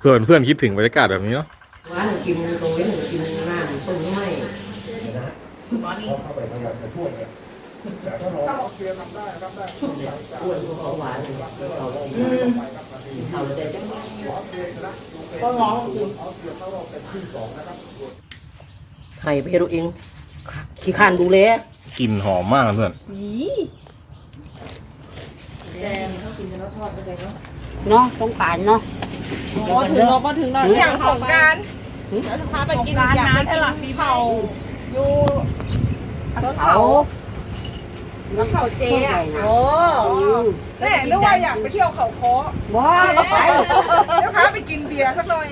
เพื่อนเพื่อนคิดถึงบรรยากาศแบบนี้เนาะว่าหนูกินตรงนี้หนูกินหน้าหนูต้มไม่เข้าไปพยายามจะช่วยเนี่ยแต่ถ้าเราเชียร์ทำได้อ้วนเขาหวานเขาเลยจะก็ง้อกินไข่ไปให้ลูกเองขี้ข้านดูแลกลิ่นหอมมากเพื่อนแดงเขากินแล้วทอดไปเลยเนาะเนาะต้องการเนาะถึงเราก็ถึงเราอย่างของการแล้วจะพาไปกินอย่างนั้นให้หลักปีเผาอยู่แล้วเขาเจ๊อ่ะโอ้แม่นึกว่าอยากไปเที่ยวเขาค้อว้าไปแล้วพาไปกินเบียร์สักหน่อย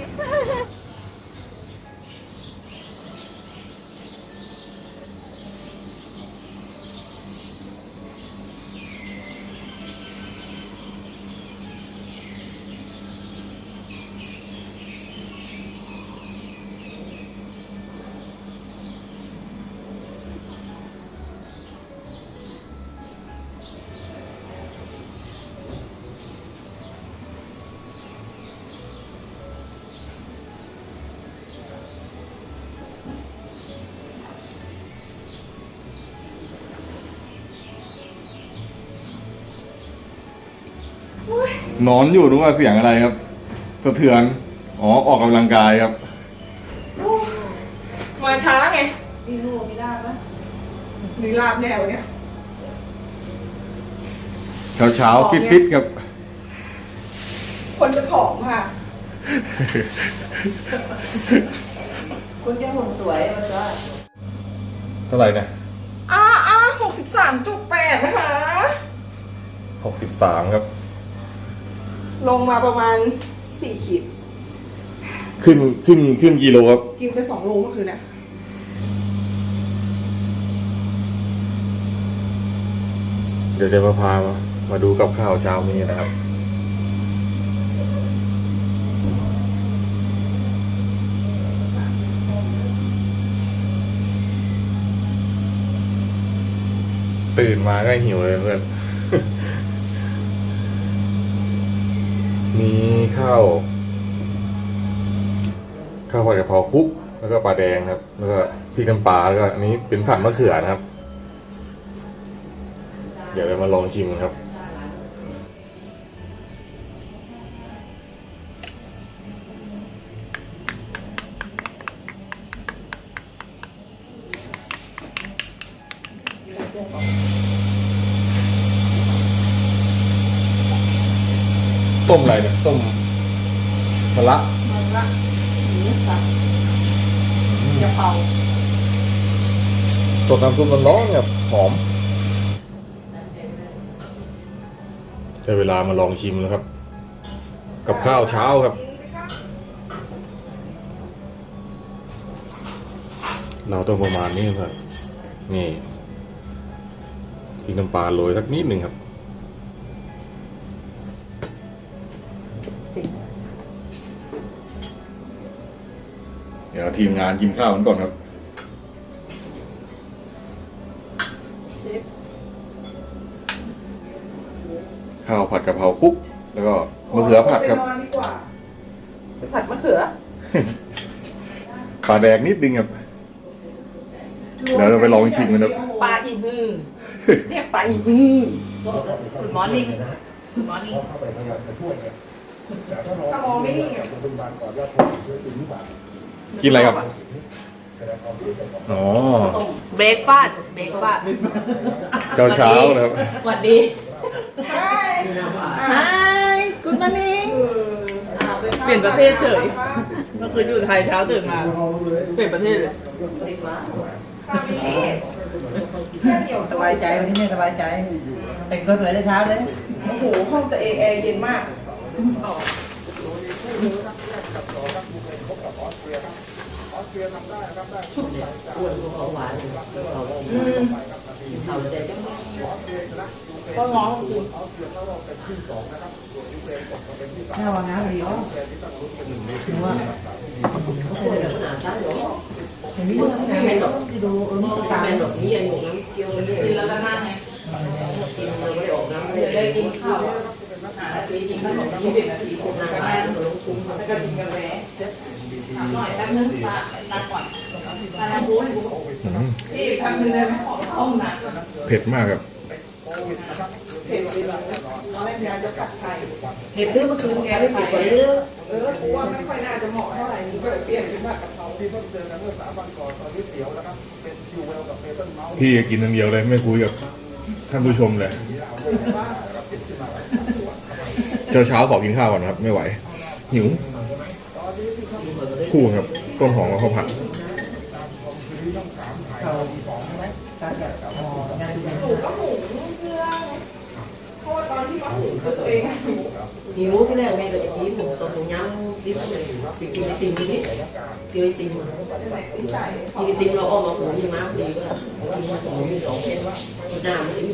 นอนอยู่รู้ว่าเสียงอะไรครับสะเทือนอ๋อออกกำลังกายครับมาช้าไงนี่ลูกไม่ได้ปะนี่ลาบแนวเนี่ยเช้าฟิตครับคนจะผอมค่ะคนจะหุ่นสวยมันจะเท่าไหร่นะ 63.8นะคะ 63ครับลงมาประมาณ4 ขีดขึ้นกิโลครับกินไป2 โลเมื่อคืนเนี่ยเดี๋ยวจะมาดูกับข้าวเช้านี้นะครับตื่นมาก็หิวเลยเพื่อนมีข้าวผัดกะเพราคลุกแล้วก็ปลาแดงครับแล้วก็พริกน้ำปลาแล้วก็อันนี้เป็นผัดมะเขือนะครับเดี๋ยวเรามาลองชิมครับต้มอะไรเนี่ยต้มมะระกะเพราสดน้ำซุปร้อนๆเนี่ยหอมได้เวลามาลองชิมแล้วครับกับข้าวเช้าครับเราต้องประมาณนี้ครับนี่พริกน้ำปลาโรยสักนิดหนึ่งครับเดี๋ยวทีมงานกินข้าวกันก่อนครับข้าวผัดกะเพราคลุกแล้วก็มะเขือผัดครับผัดมะเขือปลาแดงนิดนึงครับเดี๋ยวเราไปลองชิมกันครับปลาอีฮือเรียกปลาอีฮือคุณหมอนิ่งคุณหมอนิ่งเข้าไปพยายามจะช่วยเนี่ยแต่ถ้าเราถ้ามองไม่นิ่งเป็นบางก่อนว่าผมช่วยถึงหรือเปล่ากินอะไรครับอ๋อเบรกฟาดเช้านะครับสวัสดีไฮกูดมอร์นิ่งเปลี่ยนประเทศเฉยเมื่อคืนอยู่ไทยเช้าตื่นมาเปลี่ยนประเทศเลยสบายใจวันนี้ไม่สบายใจแต่งตัวสวยเลยเช้าเลยโอ้โหห้องตัวเองแอร์เย็นมากอ้วนเขาหวานเขาเลยจะก็ง้อกินถ้าวางน้ำดีอ๋อถือว่าเขาเลยขนาดนั้นหรอเห็นไหมไม่หรอกที่ดูตาเป็นแบบนี้อย่างนี้เกี่ยวเลยกินแล้วก็นั่งไงกินเราไม่ได้ออกน้ำเลยได้กินข้าวหานาทีกินขนม20 นาทีผมนั่งร้านแล้วก็กินกันแหวนถามหน่อยแป๊บนึงตาก่อนตาทำบุญพี่ทำนึงเลยไหมขอเข้าห้องน้ำเผ็ดมากครับเผ็ดเลยเหรอตอนแรกยายจะกัดไข่เห็ดดื้อเมื่อคืนแกไม่ผิดกว่าดื้อกูว่าไม่ค่อยน่าจะเหมาะเท่าไหร่ก็เลยเปลี่ยนเป็นผัดกะเพราที่เพิ่งเจอกันเมื่อ3 วันก่อนตอนนี้เตี๋ยวนะครับเป็นคิวเวลกับเมเปิลเมาส์พี่กินอย่างเดียวเลยไม่คุยกับท่านผู้ชมเลยเช้าขอกินข้าวก่อนครับไม่ไหวหิวคู่ครับต้นหอมกับข้าวผัดเขาใช่ไหมตาแบบอ๋องานดูแลหมูก็หมูเพื่อเพราะว่าตอนที่มาหุงคือตัวเองหิวหิวที่แรกแม่ก็จะกินหมูสดหมูยำดิบเลยกินไอติมนี่กินไอติมกินไอติมเราออกมาหุงน้ำดีก็กินมาหุง2 เส้นน้ำมันจะ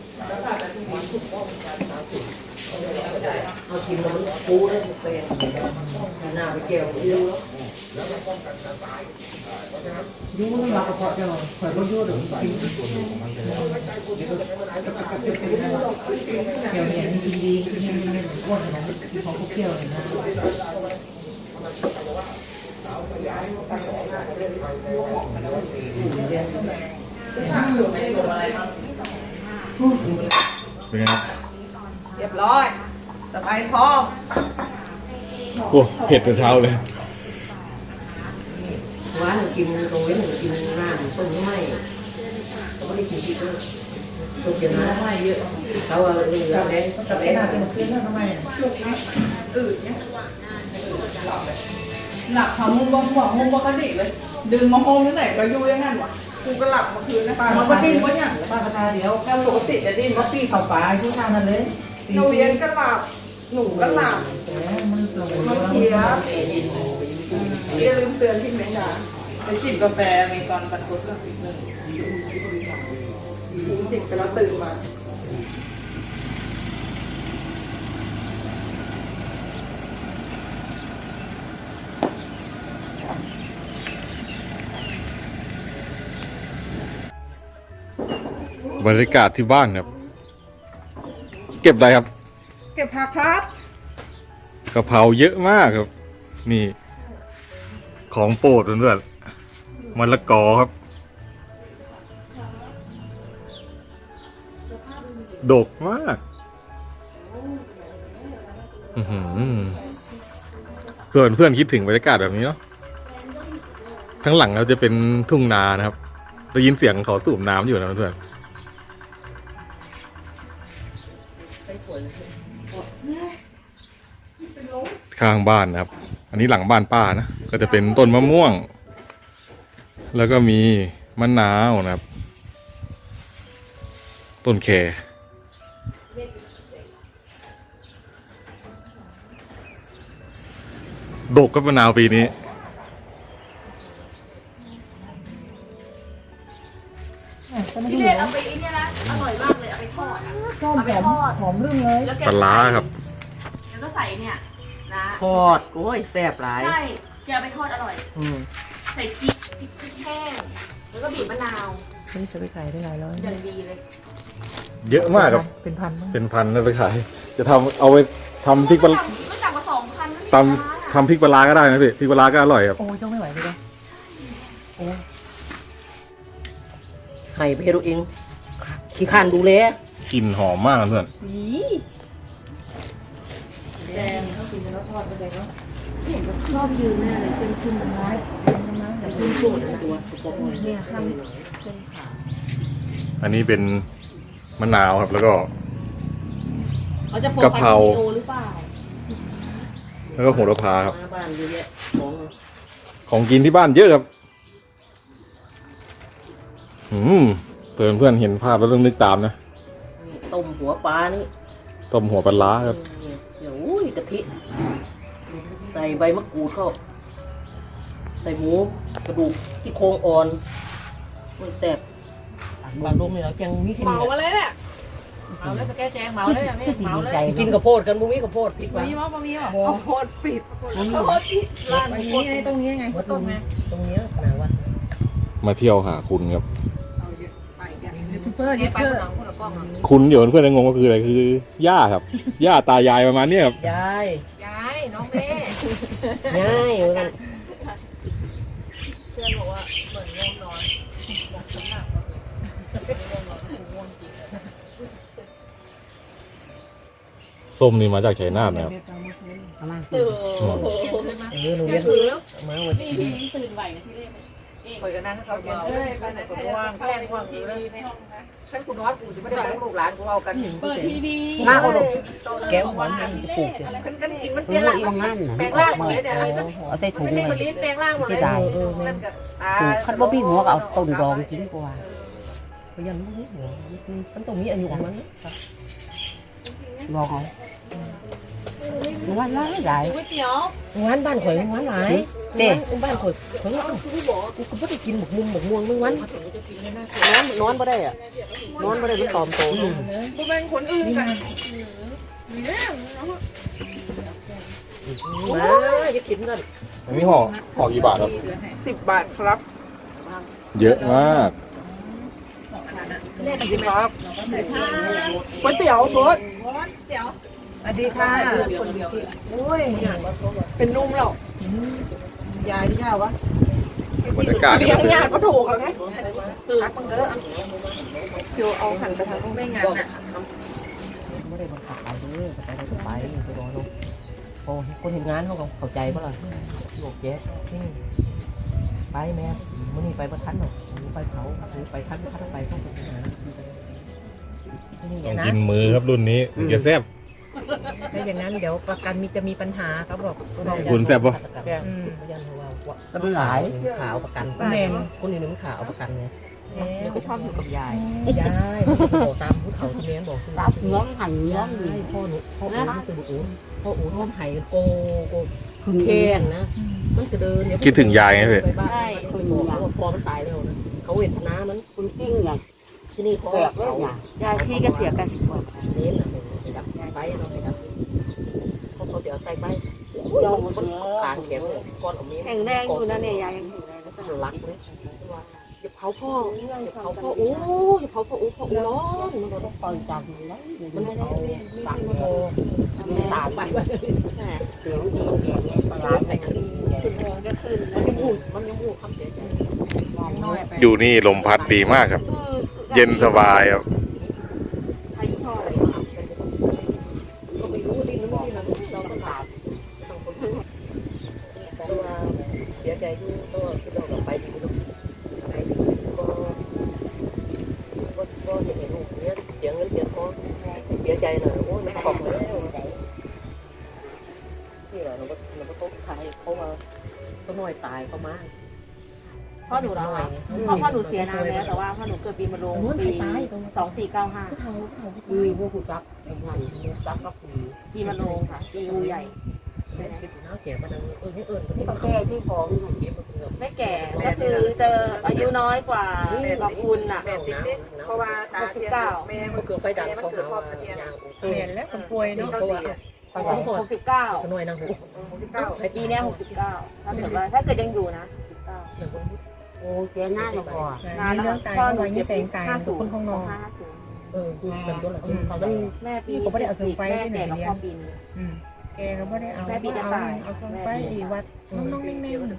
เอากินแล้วมันปูได้แฟนหน้าไปแก้วเยอะยุ่งไม่รับกระเพาะเจ้าข่อยก็ยุ่งเดี๋ยวกินเกี่ยวเนี่ยนี่ดีๆคือเนี่ยอ้วนนะที่เขาเกี่ยวเลยนะไม่ได้ลงอะไรมาเป็นไงครับเรียบร้อยสบายท้องโอ้เผ็ดแต่เช้าเลยว่าหนูกินตรงนี้หนูกินน้ำต้มไม่เขาไม่ได้กินที่ด้วยต้มเกี่ยวน้ำไม่เยอะเขาว่าเรือแดงแต่แดงน่าเป็นคืนแล้วทำไมอืดเนี่ยหลับทำมุมปกติเลยดึงมาโฮมที่ไหนก็อยู่อย่างนั้นวะกูก็หลับเมื่อคืนนะป้ามันก็ดิ้นวะเนี่ยป้ากระทาเดี๋ยวแค่ปกติจะดิ้นว่าปีเข่าป่าชุ่ทางนั้นเลยหนูเย็นก็หลับหนูก็หลับมันตัวมันเสียอย่าลืมเตือนพี่เมย์นะไปจิบกาแฟมีตอนบรรทุกก็อีกหนึ่งจิบไปแล้วตื่นมาบรรยากาศที่บ้านครับ เก็บอะไรครับเก็บผักครับกะเพราเยอะมากครับ นี่ ของโปรดเพื่อนๆมะละกอครับ ดกมากเพื่อนคิดถึงบรรยากาศแบบนี้เนาะทั้งหลังเราจะเป็นทุ่งนานะครับได้ยินเสียงเขาสูบน้ำอยู่นะเพื่อนข้างบ้านนะครับ อันนี้หลังบ้านป้านะก็จะเป็นต้นมะม่วง แล้วก็มีมะนาวนะครับ ต้นแคดกกับมะนาวปีนี้พี่เล็กเอาไปอีเนี่ยนะอร่อยมากเลยเอาไปทอดอ่ะเอาไปทอดหอมรื่มเลยแล้วแกปลาร้าครับแล้วก็ใส่เนี่ยนะทอดโอ้ยแซ่บหลายใช่แกเอาไปทอดอร่อย ใส่พริกแห้งแล้วก็บีบมะนาวนี่จะไปขายได้หลายร้อยอย่างดีเลยเยอะมากครับเป็นพันมั้งเป็นพันนะไปขาย จะทำเอาไปทำพริกปลาไม่ต่ำกว่า2,000นั่นตำทำพริกปลาร้าก็ได้นะพี่พริกปลาร้าก็อร่อยครับโอ้ยต้องไม่ไหวเลยโอ้ให้ไปดูเองขี้ข้านดูแลกลิ่นหอมมากเพื่อนแดงเขากินแล้วทอดไปเลยเนาะเห็นชอบยืนแน่เลยเส้นขึ้นมันน้อยแต่ขึ้นสูดนะตัวเนี่ยข้างเส้นขาอันนี้เป็นมะนาวครับแล้วก็เขาจะโฟกัสกะเพราวิดีโอหรือเปล่าแล้วก็โหระพาครับหน้าบ้านเยอะแยะของของกินที่บ้านเยอะครับเพื่อนเห็นภาพแล้วต้องนึกตามนะต้มหัวปลานี่ต้มหัวปลาร้าครับเดี๋ยวอุ้ยกะทิใส่ใบมะกรูดเข้าใส่หมูกระดูกที่โครงอ่อนมันแซ่บบางลมเนี่ยเรายังมีแค่นี้เมามาเลยเนี่ยเมาแล้วจะแก้แจงเมาเลยอ่ะนี่เมาเลยกินกระโพดกันบุ้มีกระโพดปิดบะไว้หมี่มั้งบะหมี่มั้งข้าวโพดปิดข้าวโพดปิดร้านนี้ไงตรงนี้ไงวัดตรงนี้ตรงนี้หนาวัดมาเที่ยวหาคุณครับยูทูบเบอร์เยอะเพื่อนคุณเดี๋ยวเพื่อนจะงงว่าคืออะไรคือย่าครับ ย่าตายายประมาณเนี้ยครับยายยายน้องเมย์ง่ายเหมือนกันเพื่อนบอกว่าเหมือนง่วงนอนบอกน้ำหนักง่วงนอนง่วงจริงส้มนี่มาจากชัยนาทนะครับเอามาโอ้โหหนูเรียกมาวันนี่นี้พี่ตื่นไหวนะที่เรียกคอยกันนั่งเขาเขียนเอ้ยไปไหนก็ว่างแกล้งว่างอยู่เลยฉันกูนอนกูจะไม่ได้ลูกหลานกูเอากันเปิดทีวีมาเอาลูกแก้วหวานมันปลูกกันกินมันเปลี่ยนร่างแปลงร่างหมดเลยเนี่ยเอาใส่ถุงเลยมันลิ้นแปลงร่างหมดเลยนั่นก็คันบ่มีหัวก็เอาต้นรองกินกว่าพยันบ่มีหัวมันต้องมีอายุของมันลองเอางานหลายหลายก๋วยเตี๋ยวงานบ้านข่อยงานหลายเด้บ้านข่อยข่อยว่ากูก็บ่ได้กินหมกมุมหมกม่วงมึงวันนอนบ่ได้อ่ะนอนบ่ได้มันตอมโตอยู่กูเป็นคนอื่นกันมาจะกินกันอันนี้ห่อกี่บาทครับ 10 บาทครับเยอะมาก 10 บาทก๋วยเตี๋ยวรสเตี๋ยวสวัสดีค่ะโอ้ยเป็นนุ่มหรอกยายที่ย่าวะบรรยากาศเลี้ยงญาติก็ถูกกันไหมรักมันเด้อเดี๋ยวเอาหันไปทางไม่งั้นอ่ะไม่ได้บังคับไปเด้อไปได้ก็ไปไปรอลูกโอ้คนเห็นงานเขาก็เข้าใจป่ะล่ะโลกเจ๊ไปแม่มื้อนี้ไปบ่ทันหรอกไปเขาไปทันไปต้องไปงานต้องกินมือครับรุ่นนี้ถึงจะแซ่บถ้าอย่างนั้นเดี๋ยวประกันจะมีปัญหาเขาบอกคุณแซ่บปะก็มันหลายขาวประกันแมนคนอื่นมันขาวประกันไงแล้วก็ชอบอยู่กับยายยายบอกตามผู้เฒ่าที่แม่บอกคือรับน้องหันน้องพ่อหนูพ่ออู๋มันคืออู๋พ่ออู๋ท้องไห้โกคือแค้นนะมันจะเดินคิดถึงยายไงพี่ใช่คือพอมันตายแล้วนะเขาเวทนามันคุณจริงอย่างที่นี่พ่อเขายายที่เกษียณกัน10 กว่าเน้นนะไปดับไปเราไปดับเขาจะเอาใส่ไปย่องมันกลางแขนเลยก้อนอมนี้แข็งแรงอยู่นะเนี่ยยายยังแข็งแรงก็รักเลยอย่าเผาพ่ออย่าเผาพ่อโอ้อย่าเผาพ่อโอ้พ่อโอ้ร้อนมันต้องปล่อยจากมันแล้วมันไม่ได้ตักโตตามไปเสียงดีปลาไปขึ้นมันยังพูดคำเสียใจน้อยไปอยู่นี่ลมพัดดีมากครับ เย็นสบายครับอายุเท่าไหร่ก็ไม่รู้ดินไม่ได้เราต้องถามแต่ว่าเสียใจอยู่ก็คือเราไปดีไปดีก็เห็นลูกเนี้ยเสียเงินเสียทองเสียใจหน่อยโอ้ยมันขอบเลยนี่แหละเราก็ต้องขายเขามาก็น้อยตายเขามาพ่อหนูเราพ่อหนูเสียนานแล้วแต่ว่าพ่อหนูเกิดปีมะโรงปี2495 มีพวกคุณตักไอ้งานตักก็คือปีมะโรงค่ะปีงูใหญ่เป็นน้าแก่มาดังนี่นี่ต้องแก้ที่ของเก็บมาเกือบไม่แก่ก็คือเจออายุน้อยกว่าคุณอ่ะเพราะว่าตาเทียนแม่ก็เกือบไฟดับของเขาเรียนแล้วคนป่วยเนาะเพราะว่าไฟดับ 69 ขน่อยนะหูปีนี้69ถ้าเกิดยังอยู่นะโอ้เจ้าหน้าเราก่อนในเรื่องตายเขาไว้นี่แต่งตายทุกคนข้างนอกคือเป็นตัวหลักเขาต้องแม่ปีแม่แก่กับพ่อปีนี้แกก็ไม่ได้เอาเอาเครื่องไปวัดน้องๆเน่ง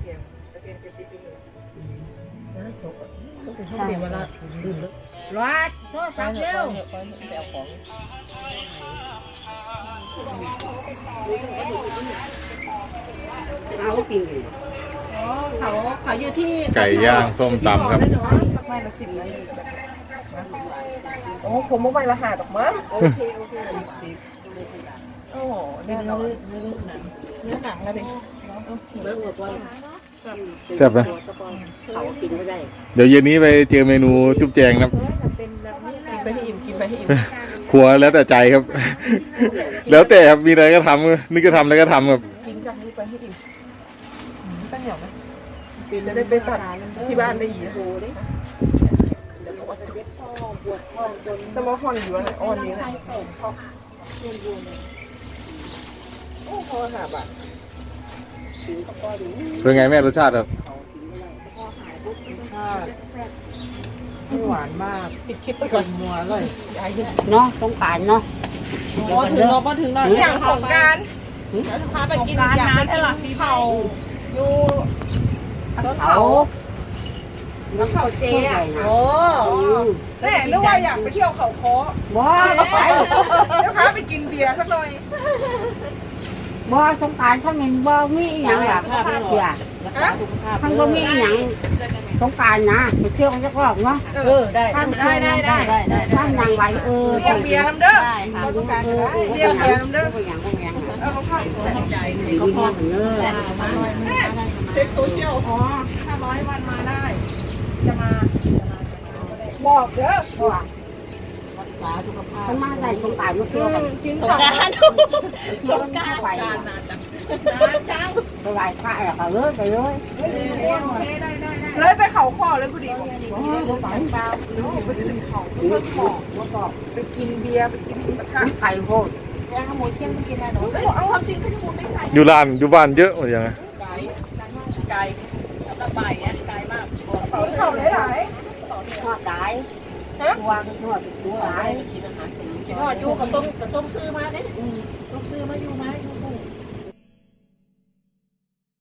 ใช่เวลาดื่มแล้วๆรัดโทษครับเร็วไปเอาของ เอาจริงอ๋อเขาอยู่ที่ไก่ย่างส้มตำครับไม่ละ10เลยโอ้ผมไม่ละ5ดอกมั้งโอเคโอ้เนื้อหนังแล้วดิเมื่อวันแซ่บไหมเขากินไม่ได้เดี๋ยวเย็นนี้ไปเจอเมนูจุ๊บแจงครับเป็นแบบนี้กินไปให้อิ่มกินไปให้อิ่มครัวแล้วแต่ใจครับ แล้วแต่ครับมีอะไรก็ทำนึกจะทำอะไรก็ทำครับกินจากนี้ไปให้อิ่มตั้งเหนียวไหมจะได้ไปตัดที่บ้านได้อีกแต่ว่าห่อนอยู่อะไรอ่อนนี้นะโอ้โหหาบะเป็นไงแม่รสชาติครับหวานมากปิดคลิปไปก่อนมัวเลยเนาะต้องการเนาะพอถึงเราพอถึงเราอย่างของการพาไปกินการอยากน้ำไปให้กินหลักปีใหม่อยู่เขาแล้วเขาเจ๊อะโอ้แม่นึกว่าอยากไปเที่ยวเขาคอบ่ก็ไปเดี๋ยวพาไปกินเบียร์สักหน่อยบ่สงกรานต์ทั้งนี้บ่มีอหย่างหลักเสียทั้งบ่มีอหย่างสงกรานต์นะไปเที่ยวกันสักรอบเนาะได้ท่านยังไหวเรียกเบียร์น้ำเด้อเราต้องการจะได้เรียกเบียร์น้ำเด้อเอาเขาเข้าใหญ่เขาพอเช็คโซเชียลอ๋อ500 วันมาได้ จะมาบอกเด้อมันมาได้สงกรานต์มาเที่ยวกันกินสงการเที่ยวกันไปไปไหว้พระอะก็เลยไปเลยเลยไปเขาคอเลยพอดีไปเปล่าไปกินเขาเพื่อขอแล้วก็ไปกินเบียร์ไปกินกระทะไข่โพดย่างขโมยเชี่ยงไปกินได้หนูเฮ้ยเอาความจริงก็จะมูไม่ไกลอยู่ร้านอยู่บ้านเยอะหมดยังไงไกลสำหรับบ่ายเนี่ยไกลมากเขาหลายทอดได้ตัวทอดตัวหลายๆก็อยู่กับต้มซื้อมาเนี่ยต้มซื้อมาอยู่มาอยู่